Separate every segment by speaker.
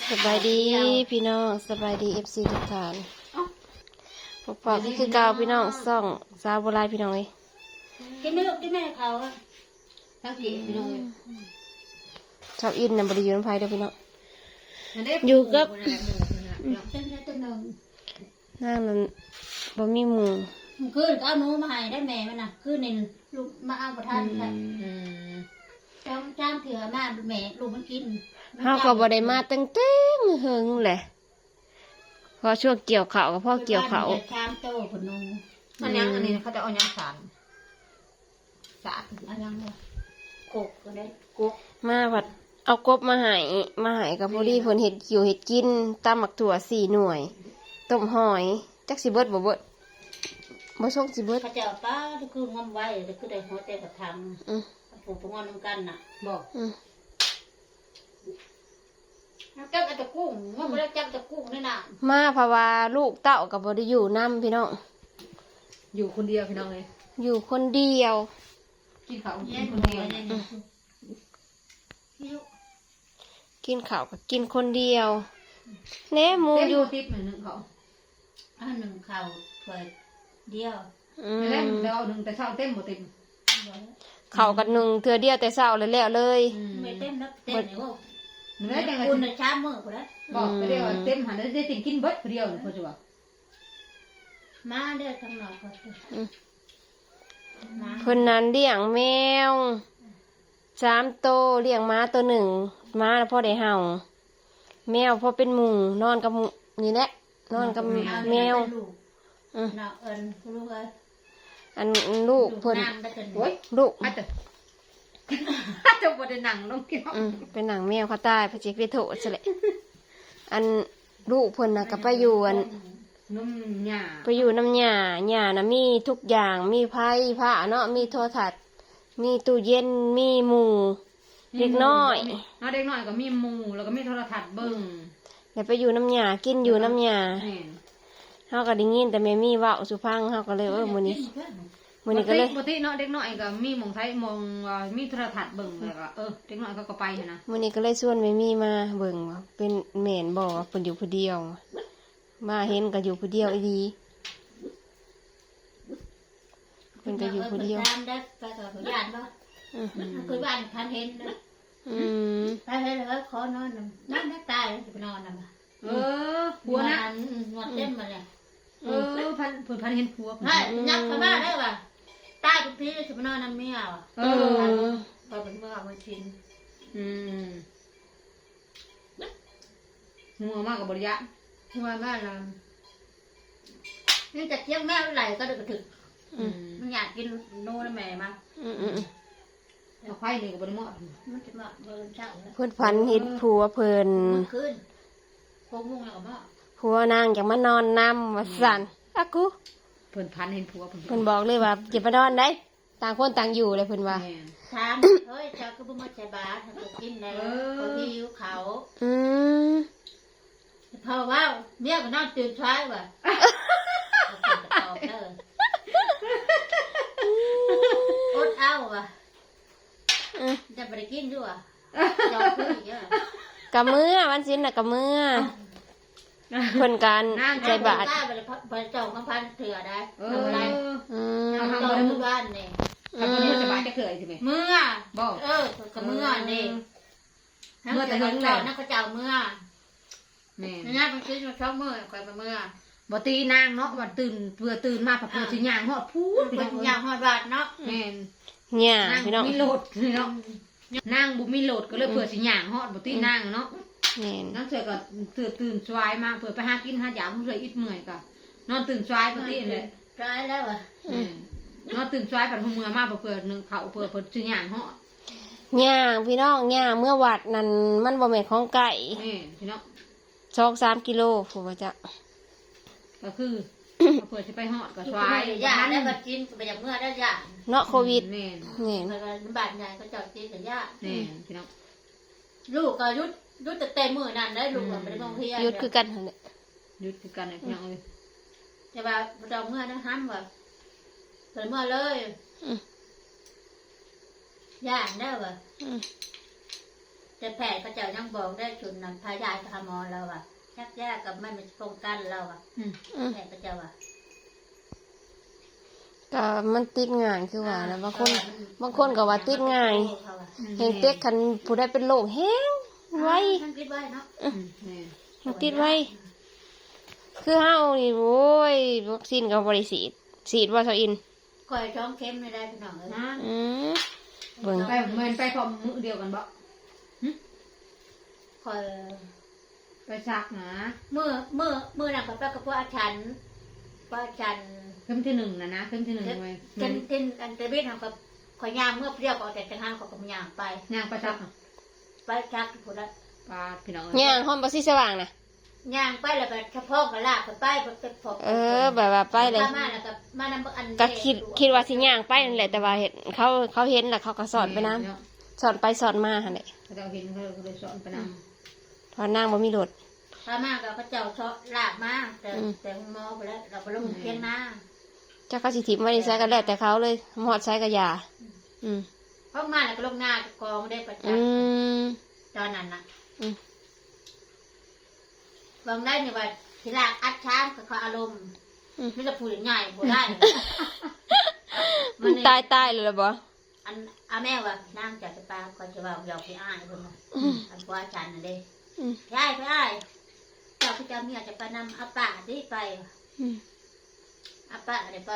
Speaker 1: สบายดีพี่น้องสบายดีFC ทุกท่านพบปะคือเก่าพี่น้องซ่องสาวโบราณพี่น้องเอ้ย
Speaker 2: กินไม่ลูกกินไม่เขาทั้งกี่พี่น้อง
Speaker 1: ชอบอินนำบริยูนภัยเด้อพี่น้องอยู่กับนั่งนั้นบ่มีหมู่
Speaker 2: คืนก็เอาหนูมาให้ได้แม่มันน่ะคืนนี่ลูกมาเอาประทานค่ะจ้างเถื่อมาแม่ลูกมันกิน
Speaker 1: เฮาก็บ่ได้มาตั้งแต่หึงแหละพอช่วงเกี่ยวข้าวกับพ่อเกี่ยวข้าว
Speaker 2: ชามโตผนง
Speaker 3: อันยังอันนี้เขาจะเอายังสารสาร
Speaker 2: อันยังเลยกกก็ได้กก
Speaker 1: มาผัดเอากบมาให้กับพอดีเพิ่นเฮ็ดกิวเฮ็ดกินตำหมักถั่ว4 หน่วยต้มหอยจักสิเบิดบ่เบิดบ่ส่งสิเบิด
Speaker 2: เขาจะเอาป้าที่คืองอมไว้ที่คือได้หัวเตะกระทำผูกงอนน้ำกันน่ะ
Speaker 3: บอก
Speaker 2: จับตะกุ้งว่าไม่ได้จับตะกุ้งนี่น่ะ
Speaker 1: มาเพราะว่าลูกเต้ากับบริอยู่นํพี่น้อง
Speaker 3: อยู่คนเดียวพี่น้องเลย
Speaker 1: อยู่คนเดียว
Speaker 3: กินข้าวกิ
Speaker 2: เย็
Speaker 3: น
Speaker 2: น
Speaker 3: คน
Speaker 2: หั
Speaker 3: เดียว ว
Speaker 2: เนี่ย
Speaker 1: กินข้าวก็กินคนเดียวแหน่หมู
Speaker 3: เต็ม
Speaker 1: อยู่
Speaker 3: ทิพย์เหมือนหนึ่งเขา
Speaker 2: อันหนึ่งข่าวเปิดเดียว
Speaker 3: แล้วเดี๋ยวเอาหนึ่งแต่เช้าเต็มหมดเต็ม
Speaker 1: ข้าวกันหนึ่งเทื่อเดียวแต่เช้าแล้วเลย
Speaker 2: ไม่เต็มแล้วเต็มเลยว่า
Speaker 3: เนื้อจังไง
Speaker 2: คุณช้ามือกูแล้ว
Speaker 3: บอกไปเดียวเต็มหันแล้วได้ติ่งกินเบิดเดียวพอจะว่า
Speaker 2: มาเด้อทางหนอกก่อนมา
Speaker 1: เพิ่นนั้นเลี้ยงแมว3 โตวเลี้ยงม้าตัวหนึ่งม้าพ่อได้เห่าแมวพ่อเป็นหมู่นอนกับหมู่นี่แหละนอนกับแมว
Speaker 2: เนาะลูกเอ้ย
Speaker 1: อันลูกเพิ่น
Speaker 2: น้ำได้กัน
Speaker 3: โอ้ย
Speaker 1: ลูก
Speaker 3: อาจจะจะบไดหนังลงกิน
Speaker 1: เป็นหนังแมวเขาตายพระเจ้าไปโถซะแหละอันลูกเพิ่นน่ะก็ไปอยู่อัน
Speaker 3: นุ่มหยา
Speaker 1: ไปอยู่น้ำหญ้าหญ้านะมีทุกอย่างมีไผ่ผ้าเนาะมีโทรทัศน์มีตู้เย็นมีหมูเล็กน้อย
Speaker 3: เด็กน้อยก็มีหมูแล้วก็มีโทรทัศน์เบิ้ง
Speaker 1: เดี๋ยวไปอยู่น้ำหญ้ากินอยู่น้ำหญ้า
Speaker 3: แม่น
Speaker 1: เฮาก็ได้ยินแต่แม่มีเว้าสุพังเฮาก็เลยมื้อนี้ก็เลย
Speaker 3: ปกติเนาะเด็กน้อยก็มีหมองไทยมองมีโทรทัศน์เบิ้งแล้วก็เด็กน้อยเขาก็ไปนะ
Speaker 1: มื้อนี้ก็เลยชวนแม่มีมาเบิ่งว่าเป็นแม่นบ่ว่าเพิ่นอยู่ผู้เดียว มาเห็นก็อยู่ผู้เดียวอีหลีเพิ่นก็อยู่ผู้เดียว
Speaker 2: น้ำได้ไปกับผู้ยานบ่คือบ้านพันเห็นนะ
Speaker 1: อืม
Speaker 2: ไปเลยขอนอนน้ำได้ตายจะไปนอนนะมา
Speaker 3: ผัวนะ
Speaker 2: นวดเต็มมาเลย
Speaker 3: พันเห็นผัว
Speaker 2: ให้ยักเข้ามาได้ป่ะตายทุกทีจะไปนอนน้ำเมียว่ะพอเป็นเมื่อวันชิน
Speaker 3: งัวมากกับบริยะ
Speaker 2: หัวแม่เรานี่จะเที่ยงแม่ไหลก็เดือดถึงมันอยากกินโน่นแม่มา
Speaker 3: เอาไข่เลยกับบริมอด
Speaker 2: มันจะมาเบิร์นเช้าแล้ว
Speaker 1: เพิ่นฝันเห็นผัวเพิ่น
Speaker 2: มันขึ้นโค้งมุ่งแล้วก็มา
Speaker 1: ผัวนางอยากมานอนนํว่าซั่นอะกู
Speaker 3: เพิ่นพันเห็นผัว
Speaker 1: เพิ่นบอกเลยว่าอย่ามานอนได้ต่างคนต่างอยู่เลยเพิ่นว่า
Speaker 2: ถามเฮ้ยเจ้าก็บ่มาใจบาทำตัวกินแล้วเขาหิวเขา
Speaker 1: อืม
Speaker 2: พอว่าเมียก็นอนตื่นเช้าว่ะอดเอาว่ะจะไปกินด้วยยอมคุยเยอะ
Speaker 1: กะมื้อวันศิลน่ะกะมื้อเพิ่นการใจบาท
Speaker 2: ไปจองพันเถื่อได้ทำไร
Speaker 1: อืม
Speaker 2: จองทุกบ้านนี่
Speaker 3: กับคนนี้สบายจะเคยใช่ไหม
Speaker 2: เมื่อ
Speaker 3: บอก
Speaker 2: กับเมื่อนี่เมื่อแต่เมื่อนักก็เจ้าเมื่อ
Speaker 3: แม่
Speaker 2: นี่ไปซื้อมาช่องเมื่อคอยมาเมื่อ
Speaker 3: บ่ตีนางเนาะวันตื่นมาผัดผัดสิย่างหอดพูด
Speaker 2: เป็นอย่างหอดบาทเนาะ
Speaker 3: แม่
Speaker 1: เนี่ย
Speaker 3: นาง
Speaker 1: พี่น้อง
Speaker 3: มีโหลดเนาะนางบุมีโหลดก็เลยเผื่อสิย่างหอดบ่ตีนางเนาะ
Speaker 1: แม่น
Speaker 3: นั่นเสือก็ตื่นสวายมาเผื่อไปหากินหาหยามเผื่ออิดเมื่อยก็นอนตื่นสวายปกติเลย
Speaker 2: ร้ายแล้วอ่ะ
Speaker 3: นอนตื่นสวายผัดหัวเมื่อมาเผื่อหนึ่งเขาเผื่อสิย่างหอด
Speaker 1: ย่างพี่น้องย่างเมื่อวัดนั่นมันบ่แม่นของไก่
Speaker 3: พี่น้อง
Speaker 1: 2-3 กิโลผู้ว่าจะ
Speaker 3: ก็คือเผื่อจะไปหอดก็สวาย
Speaker 2: ยาได้บัดจินไปจากเมื่อได้ยา
Speaker 1: เนาะโควิด
Speaker 3: แม่น
Speaker 1: แม่น
Speaker 2: แล้วก็บาดใหญ่ก็จอดจินกับยา
Speaker 3: แม่นพี่น้อง
Speaker 2: ลูกก็ยุดแต่เต็มมือนั่นได้ลูกก็ไม่ได้มองเทีย
Speaker 1: หยุดคือกันหั่นแหละ
Speaker 3: หยุดคือกันเลยพี่น้องเลย
Speaker 2: แต่ว่าเราเมื่อนะห้ามว่าเปิดเมื่อเลยยาได้ว่ะ
Speaker 1: อืม
Speaker 2: แแต่แพทย์เขาเจ้ายังบอกได้ชุนนำพายายทำหมอเราอ่ะชักยากกับมันป้องกันเราอ่ะแพทย์เขาเจ้าอ่ะ
Speaker 1: ก็มันติดง่ายคือว่าแล้วบางคนก็ว่าติดง่ายเห็นเต็กคันผู้ใดเป็นโรคแห้งไว้
Speaker 2: มันติดไว้เนาะ
Speaker 1: มันติดไว้ คือเฮานี่โว้ยวัคซีนก็บ่ได้ฉีดว่าเซาอิน
Speaker 2: คอยท้องเข็มไม่ได้พี่น้องเอ้ย
Speaker 3: นะ
Speaker 1: อืมเบิ่ง
Speaker 3: ไปเหมือนไปพร้อมมือเดียวกันบ่
Speaker 2: คอย
Speaker 3: ไปซักนะ
Speaker 2: เมื่อนั่งกับพระกับพระอาจารย์
Speaker 3: เข็มที่หนึ่งนะเข็มที่หนึ่งไว้
Speaker 2: เป็นอันเตอร์เบสของกับคอยย่างเมื่อเปรี้ยวก็แต่จังหันเขาก็ย่างไป
Speaker 3: ย่างไปซัก
Speaker 2: ไปชักผู้ละ
Speaker 3: ปลาพี่น้อง
Speaker 1: ย่างห้องบ่สิสว่างน่ะ
Speaker 2: ย่างไปแล้วก็เฉพาะก็ลากไปไปพบ
Speaker 1: แบบว่าไปเลย
Speaker 2: มาแล้วก็มานำอัน
Speaker 1: ก็คิดว่าสิย่างไปนั่นแหละแต่ว่าเห็นเขาเห็นแล้วเขาก็สอนไปนํสอนไปสอนมาหั่นแหละ
Speaker 3: เขาเห็นเขาเลยสอนไปน
Speaker 1: พอนางบ่มีรถ
Speaker 2: พามาก็พระเจ้าเชาะลากมาแต่หมอไปแล้วเราไปลงเพียงหน้า
Speaker 1: จักเขาสิถิมไว้ในไสก็แล้วแต่เขาเลยหอดไสก็อย่าอืม
Speaker 2: เพราะมาแล้วก็ลงหน้ากองได้ประจ
Speaker 1: อืม
Speaker 2: ำตอนนั้นน่ะ
Speaker 1: อืม
Speaker 2: บางได้เนี่ยว่าทีลากอัดช้างกับเขาอารมณ์ไม่จะพูดง่ายบ่ได้
Speaker 1: มันตายเลยล่ะบ่
Speaker 2: อันอาแม่ว่านั่งจากสปาคอยจะว่าหยอกพี่อ้ายคนนั้นอันว่าอาจารย์น่ะเด้
Speaker 1: อืม
Speaker 2: พี่อ้ายเจ้าพี่เจ้าเมียจะไปนำอาป่าที่ไป
Speaker 1: อืม
Speaker 2: อาป่าเดี๋ยวไป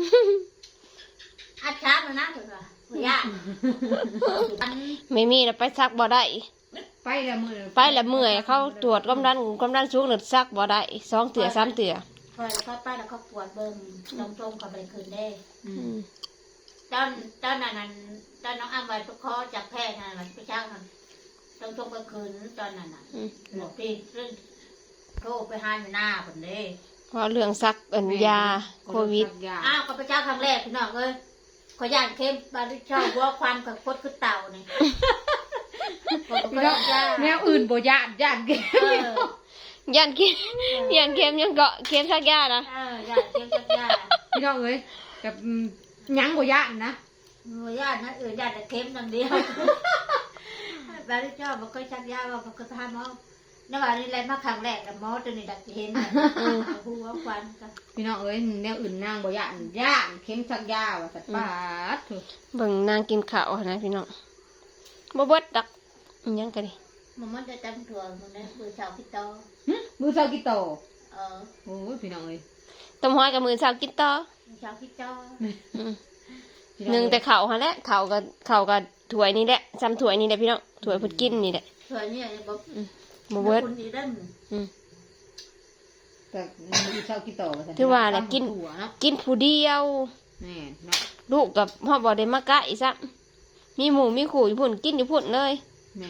Speaker 2: อัดช้างแล้วนะถึงว่าบ่ยากอัน
Speaker 1: ไม่มีแล้วไปซักบ่ได้
Speaker 3: ไปแล้วมือ
Speaker 1: ไปแล้วเมื่อยเขาตรวจความดันสูงหรือซักบ่ได้2 เตื่อ3 เตื่อ
Speaker 2: คอยแล้วก็ไปแล้วก็ปวดเบิ่มตรงๆกับไปคืนได้
Speaker 1: อืม
Speaker 2: ตอนนั้นตอนน้องอ้ำไว้ประคอจากแพทย์นั่นแหละไปช่างมันตรงกลางคืนตอนนั้นน่ะ
Speaker 1: อืม
Speaker 2: หลวงพี่เรื่องโทรไปหาอยู่หน้าผมเลย
Speaker 1: เพราะเรื่องซักยาโควิด
Speaker 2: อ้าวก็ไปเจ้าครั้งแรกพี่น้องเอ้ยขอย่านเข้มบาริชอบว่าความกับพดคือเต่านี่
Speaker 3: พี่น้องแนวอื่นบ่ญาติเก
Speaker 2: เออ
Speaker 1: ยันเข็มยังเกาะเข็มซักยานะ
Speaker 2: ย่านเข้มจักย่า
Speaker 3: พี่น้องเอ้ยแบบยังบ่ญาตินะ
Speaker 2: หนูย่านนะย่านแต่เข้มอย่างเดียวบาริชอบมันก็ชักยาว่ามันก็ทำเอาในวันนี้อะไรมาครั้งแรกแต่หมอตัวนี้ดักเห็นหัวควันกัน
Speaker 3: พี่น้องเอ้ยแนวอื่นนางบ่ญาติเข็มซักยาว่าสัตว์ปาดถูก
Speaker 1: เบิ่งนางกินข้าวนะพี่น้องบ่เบิดดักอิหยังกันดิ
Speaker 2: มันจะตั้งถั่วมันนะมือเสาพี่โต
Speaker 3: มือเช้ากี่โต
Speaker 2: เออ
Speaker 3: โอ้ยพี่น้องเอ้ย
Speaker 1: ต้มหอยกับมื้อเช้ากินต่อ
Speaker 2: มือเสาพี่โต
Speaker 1: อืมหนึ่งแต่ข้าวหั่นแหละข้าวกับถ้วยนี่แหละซ้ำถ้วยนี่แหละพี่น้องถ้วยเพิ่นกินนี่แหละ
Speaker 2: ถั่วนี่บอก
Speaker 1: บ่เบิด
Speaker 2: คนดีได้
Speaker 1: อืม
Speaker 3: แต่มือเช้ากี่โตว่าสัตว์
Speaker 1: ถือว่าแหละกิน
Speaker 3: หัวเนาะ
Speaker 1: กินผู้เดียว
Speaker 3: แน่เนาะ
Speaker 1: ลูกกับพ่อบ่ได้มาใกล้ซ้ำมีหมูมีขู่อยู่พุ่นกินอยู่พุ่นเลย
Speaker 3: แน่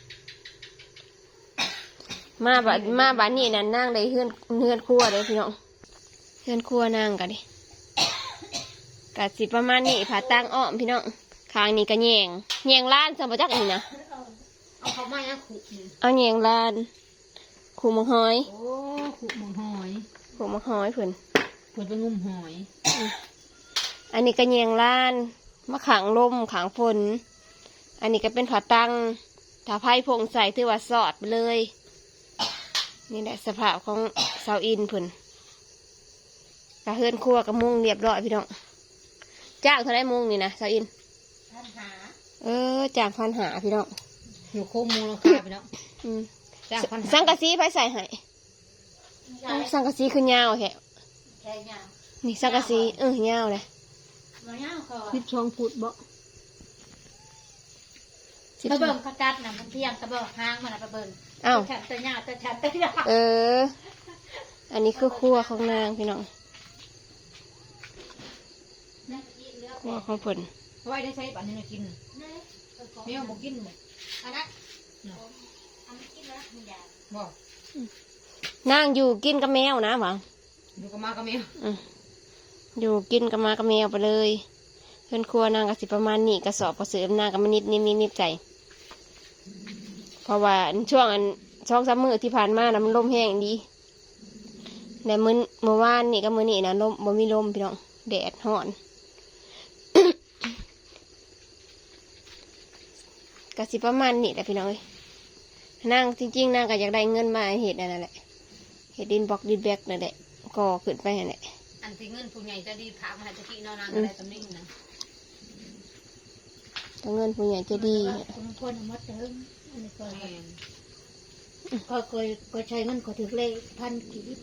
Speaker 1: มาบัดนี้นั่นนั่งได้เฮือนครัวเลยพี่น้องเฮือนครัวนั่งกันดิกะสิประมาณนี้ผ่าตั้งอ้อมพี่น้องคางนี้ก็แยงล้านสมบัจักนี่นะ
Speaker 3: เอาเขามายังขุนี่
Speaker 1: เอาแยงล้านขู่มังหอย
Speaker 3: โอ้ขุหมองหอย
Speaker 1: ขู่มังหอยเพิ่น
Speaker 3: เพิ่นไปงุ่มหอย
Speaker 1: อันนี้ก็แยงล้านมะขางลมขางฝนอันนี้ก็เป็นผ่าตั้งถ้าไพ่พงใส่ถือว่าสอดไปเลยนี่แหละสภาพของเสาอินเพิ่นกะเฮือนครัวกับมุงเรียบร้อยพี่น้องจ้างเท่าไรมุงนี่นะเสาอิน
Speaker 2: ท่านหา
Speaker 1: จ้าง1,500พี่น้อง
Speaker 3: อยู่โคมมูลค่าพี่น้อง
Speaker 1: อืม
Speaker 3: จ้างพัน
Speaker 1: สังกะสีไผใส่ให้สังกะสีคือยาวแฮะ
Speaker 2: แค่ยาว
Speaker 1: นี่สังกะสียาวเลย
Speaker 2: มันยาวคอ
Speaker 3: 12 ฟุตบ่
Speaker 2: ตะเบิ่งกระกัดน่ะมันเที่ยงตะเบิ่งหางมันตะเบิ่ง
Speaker 1: อ้าว
Speaker 2: ฉันตะหญ้าตะฉันตะหญ้า
Speaker 1: อันนี้คือครัวของนางพี่น้องครัวของเพิ่น
Speaker 3: ไว้ได้ใช้บัดนี้น่ะกินแมวบ่กินบ่
Speaker 2: อันนั้นอันนี้กินแล้วมันยาว
Speaker 3: บ่
Speaker 1: นางอยู่กินกับแมวนะหวัง
Speaker 3: อยู่กับมากับแมว
Speaker 1: อยู่กินกับมากับแมวไปเลยเพื่อนครัวนางก็สิประมาณนี้กระสอบกระเสริมนางก็มานิดใจ เพราะว่าช่วง2-3 มื้อที่ผ่านมานะมันลมแห้งดีแต่เมื่อวานนี่ก็มื้อนี้นะลมบ่มีลมพี่น้องแดดร้อน ก็สิประมาณนี้แหละพี่น้องเอ้ยนางจริงๆนางก็อยากได้เงินมาเห็ดนั่นแหละเห็ดดินบล็อกดินแบกนั่นแหละก่อขึ้นไปนั่นแหละ
Speaker 3: อันที่เงินผู้ใหญ่จะดีพามาให้ตะกี้นอนนางก็ได้ตำนิ่งนะ
Speaker 1: ถ้าเงินผู้ใหญ่จะดี
Speaker 2: บางคนเอามาเติมอันนี้ก็
Speaker 3: แม่น
Speaker 2: ก็เคยใช้เงินก็ถือเลขพันกีบ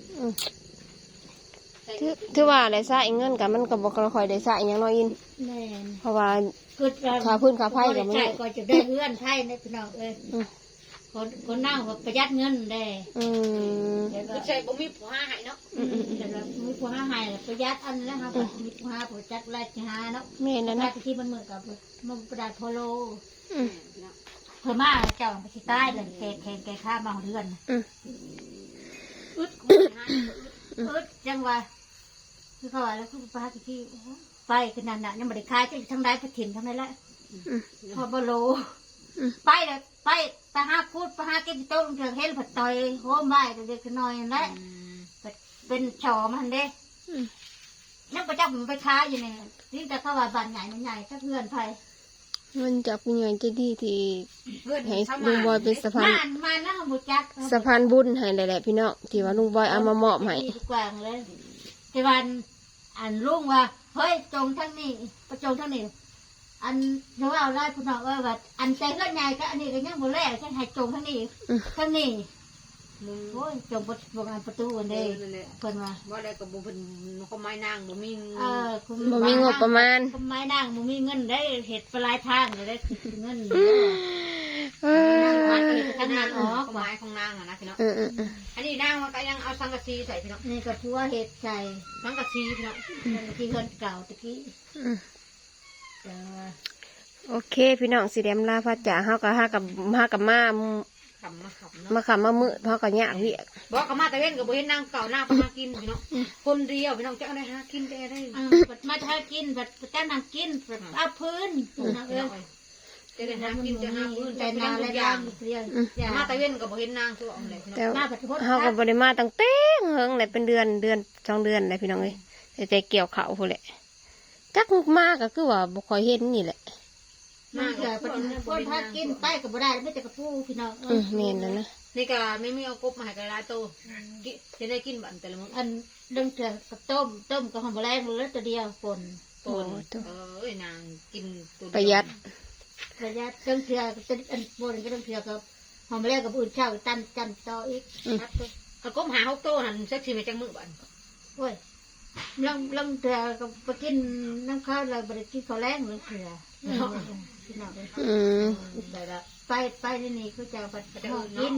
Speaker 1: ถือว่าได้ใช้เงินกับมันก็บ่ค่อยได้ใช้หยังน้อยอิน
Speaker 2: แม่น
Speaker 1: เพราะว่า
Speaker 2: คือ
Speaker 1: ค่าพื้นค่าไฟก็ไม่
Speaker 2: ใช่ก็จะได้เงื่อนไพ่นะพี่น้องเอ้ย
Speaker 1: อืม
Speaker 2: คนนั่งว่าประหยัดเงินได้
Speaker 1: อืม
Speaker 2: แล้วก็
Speaker 3: คือใช่บ่มีผัวให้เนาะ
Speaker 2: แต่เรามีผู้ห้าให้ประหยัดอันนั้นครับมีผู้ห้าผู้จัดราชหาเนาะ
Speaker 1: แม่นั่น
Speaker 2: รา
Speaker 1: นะ
Speaker 2: ชที่มันเหมือนกับมันประดาโพโล
Speaker 1: อืม
Speaker 2: เพิ่มมาเจ้าไปที่ใต้เลยแกข้ามมาเดือน
Speaker 1: อืม
Speaker 2: อึดอึดจังวะคือเขาว่าแล้วคือป้าที่ไปขนาดนั้นยังไม่ได้คายจะทั้งได้ไปถิ่นทั้งนั้นแหละ
Speaker 1: อืม
Speaker 2: พอบโล
Speaker 1: อืม
Speaker 2: ไปเลยไปหาพูดไปหาเก็บโต๊ะเถื่อนเห็นผัดต่อยโหมไม้เด็กๆน้อยนั่นแหละเป็นชอมันเด้
Speaker 1: อืม
Speaker 2: ยังประจับมันไปค้าอยู่เนี่ยนี่แต่เขาว่าบ้านใหญ่มันใหญ่ถ้าเพื่อนไป
Speaker 1: เงินจากผู้ใหญ่จะดีที่
Speaker 3: เงิน
Speaker 1: ให้
Speaker 3: เข้า
Speaker 1: ลุ
Speaker 3: มาง
Speaker 1: บอยเป็นสะพาน
Speaker 2: มาแล้วบุจัก
Speaker 1: สะพานบุญให้แหละพี่น้องที่ว่าลุงบอยเอามามอบให้
Speaker 2: ดีกว่าเลยที่วันอันลุงว่าเฮ้ยจงทั้งนี้ประจงทั้งนี้อันเดี๋ยวเอาไล่คุณน้องว่าอันใจเพื่อนใหญ่ก็อันนี้ก็ยังบ่แลกฉันให้จงทั้งนี้ทั้งนี้
Speaker 3: มึง
Speaker 2: โอ้ยจงประตูอัน
Speaker 3: เด้
Speaker 2: เด้
Speaker 3: นั่นแหละ
Speaker 2: เพิ่นว่า
Speaker 3: ว่าได้กับบ่เพิ่นเขาไม้นางบ่มี
Speaker 2: คุณ
Speaker 1: บ่มีงบประมาณ
Speaker 2: คุณไม้นางบ่มีเงินได้เห็ดปลายทางเลยได้คือเงิน
Speaker 1: เอ
Speaker 2: วัด
Speaker 1: อ
Speaker 2: เห็ดทำงานออก
Speaker 3: ไม้ของนางอะนะพี่น้อง
Speaker 1: เออ
Speaker 3: อันนี้นางมันก็ยังเอาสังกะสีใส่พี่น้อง
Speaker 2: นี่ก็พัวเห็ดใส่
Speaker 3: สังกะสีพี่น้อง
Speaker 2: ที่เพิ่นเก่าตะกี้
Speaker 1: อืมโอเคพี่น้องสิเดมลาพระจ๋าเฮาก็หากับมา
Speaker 3: ขำมาขำเนาะ
Speaker 1: มาขำมามือเฮาก็ยากเวียก
Speaker 3: บอกกับมาตะเว้นกับบ่เห็นนางเก่านางไปหากินพี่น้องคนเดียวพี่น้องจะเอาได้หากินได้
Speaker 2: มาทากินบัดจ้านั่งกินบัดเอาพื้นนะเออ
Speaker 3: จะได้หากินจะหาพื้น
Speaker 2: ใจ
Speaker 3: จะ
Speaker 2: นา
Speaker 3: หา
Speaker 2: และ
Speaker 3: ทุกอ
Speaker 2: ย่า
Speaker 3: ย่าง ง
Speaker 2: เรียนอย่า
Speaker 3: มาตะเว้นกับบ่เห็นนางคือเอาอะไรพี่น้อง
Speaker 1: แต่
Speaker 2: มาบัดพด
Speaker 1: เฮาก็บ่ได้มาตั้งแต่เฮิงเลยเป็นเดือน2 เดือนเลยพี่น้องเอ้ยแต่เกี่ยวข้าวพุ่นแหละจักมาก็คือว่าบ่ค่อยเห็นนี่แหละ
Speaker 2: มันเกิดพดพากินไปก็บ่ได้ไม่แต่กระปูพี่น้อง
Speaker 1: แม่นแล้วนะ
Speaker 3: นี่ก็ไม่มีเอากบมาให้กระไรโตจะได้กินบันแต่ละมื้อ
Speaker 2: อันเรื่องเถื่อกับต้มกับหอมแรงเลยตัวเดียวปน
Speaker 3: ปนนางกินตัว
Speaker 1: ประหยัด
Speaker 2: ระยะเรื่องเถื่อจะอันปนก็เรื่องเถื่อกับหอมแรงกับอื่นเช่าตันต่ออีก
Speaker 3: เอากบหา6โตหันสักสิไปจังมื้อบัน
Speaker 2: โอ้ยเรื่องเถื่อกับไปกินน้ำข้าวเราไปกินข้าวแรงเรื่องเถื่อพี่น้อง
Speaker 1: อืม
Speaker 3: ได้ละ
Speaker 2: ไปนี่เขาจะไปกิน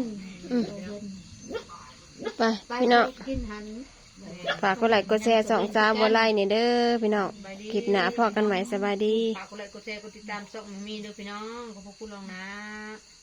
Speaker 1: ไปพี่น้อง
Speaker 2: กินหัน
Speaker 1: ฝากกดไลค์กดแชร์2 3บ่ไลค์นี่เด้อพี่น้องคลิปหน้าพอกันใหม่สบายดี
Speaker 3: ฝากกดไลค์กดแชร์กดติดตามช่องมีเด้อพี่น้องขอบคุณลองนะ